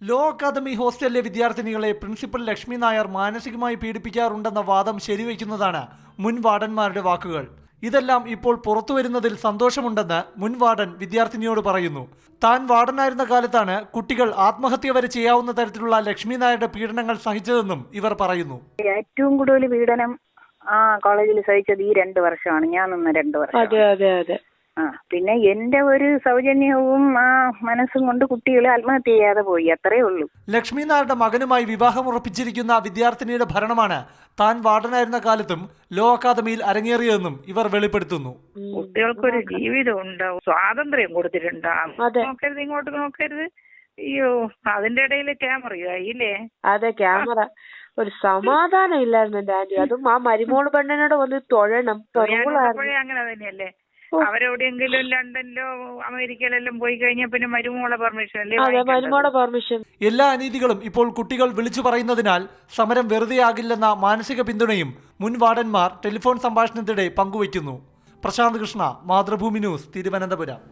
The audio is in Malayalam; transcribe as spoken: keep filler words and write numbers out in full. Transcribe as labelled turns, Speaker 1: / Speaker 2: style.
Speaker 1: ലോ അക്കാദമി ഹോസ്റ്റലിലെ വിദ്യാർത്ഥിനികളെ പ്രിൻസിപ്പൽ ലക്ഷ്മി നായർ മാനസികമായി പീഡിപ്പിക്കാറുണ്ടെന്ന വാദം ശരിവയ്ക്കുന്നതാണ് മുൻ വാർഡന്മാരുടെ വാക്കുകൾ. ഇതെല്ലാം ഇപ്പോൾ പുറത്തുവരുന്നതിൽ സന്തോഷമുണ്ടെന്ന് മുൻ വാർഡൻ വിദ്യാർത്ഥിനിയോട് പറയുന്നു. താൻ വാർഡനായിരുന്ന കാലത്താണ് കുട്ടികൾ ആത്മഹത്യ വരെ ചെയ്യാവുന്ന തരത്തിലുള്ള ലക്ഷ്മി നായരുടെ പീഡനങ്ങൾ സഹിച്ചതെന്നും ഇവർ പറയുന്നു.
Speaker 2: ഏറ്റവും കൂടുതൽ പീഡനം ആ കോളേജിൽ സഹിച്ചത് ഈ രണ്ടു വർഷമാണ്. ഞാൻ നിന്ന് രണ്ടു വർഷം.
Speaker 3: അതെ അതെ അതെ
Speaker 2: ആ പിന്നെ എന്റെ ഒരു സൗജന്യവും ആ മനസ്സും കൊണ്ട് കുട്ടികളെ ആത്മഹത്യ ചെയ്യാതെ പോയി, അത്രേ ഉള്ളൂ.
Speaker 1: ലക്ഷ്മി നായരുടെ മകനുമായി വിവാഹം ഉറപ്പിച്ചിരിക്കുന്ന വിദ്യാർത്ഥിനിയുടെ ഭരണമാണ് താൻ വാർഡനായിരുന്ന കാലത്തും ലോ അക്കാദമിയിൽ അരങ്ങേറിയതെന്നും ഇവർ വെളിപ്പെടുത്തുന്നു.
Speaker 2: കുട്ടികൾക്കൊരു ജീവിതം ഉണ്ടാവും, സ്വാതന്ത്ര്യം കൊടുത്തിട്ടുണ്ടാവും. നോക്കരുത്, ഇങ്ങോട്ട് നോക്കരുത്. അയ്യോ, അതിന്റെ ഇടയിൽ ക്യാമറയായില്ലേ?
Speaker 3: അതെ, ക്യാമറ. ഒരു സമാധാനം ഇല്ലായിരുന്നു എന്റെ ആന്റി. അതും ആ മരുമോള് പെണ്ണിനോട് വന്ന് തൊഴണം.
Speaker 2: അങ്ങനെ തന്നെയല്ലേ. അവരെവിടെയെങ്കിലും ലണ്ടനിലോ അമേരിക്കയിലെല്ലാം പോയി കഴിഞ്ഞാൽ പിന്നെ മരുമോളെ പെർമിഷൻ അല്ലേ?
Speaker 3: മരുമോളെ പെർമിഷൻ.
Speaker 1: എല്ലാ അനീതികളും ഇപ്പോൾ കുട്ടികൾ വിളിച്ചു പറയുന്നതിനാൽ സമരം വെറുതെയാകില്ലെന്ന മാനസിക പിന്തുണയും മുൻ വാർഡന്മാർ ടെലിഫോൺ സംഭാഷണത്തിനിടെ പങ്കുവയ്ക്കുന്നു. പ്രശാന്ത് കൃഷ്ണ, മാതൃഭൂമി ന്യൂസ്, തിരുവനന്തപുരം.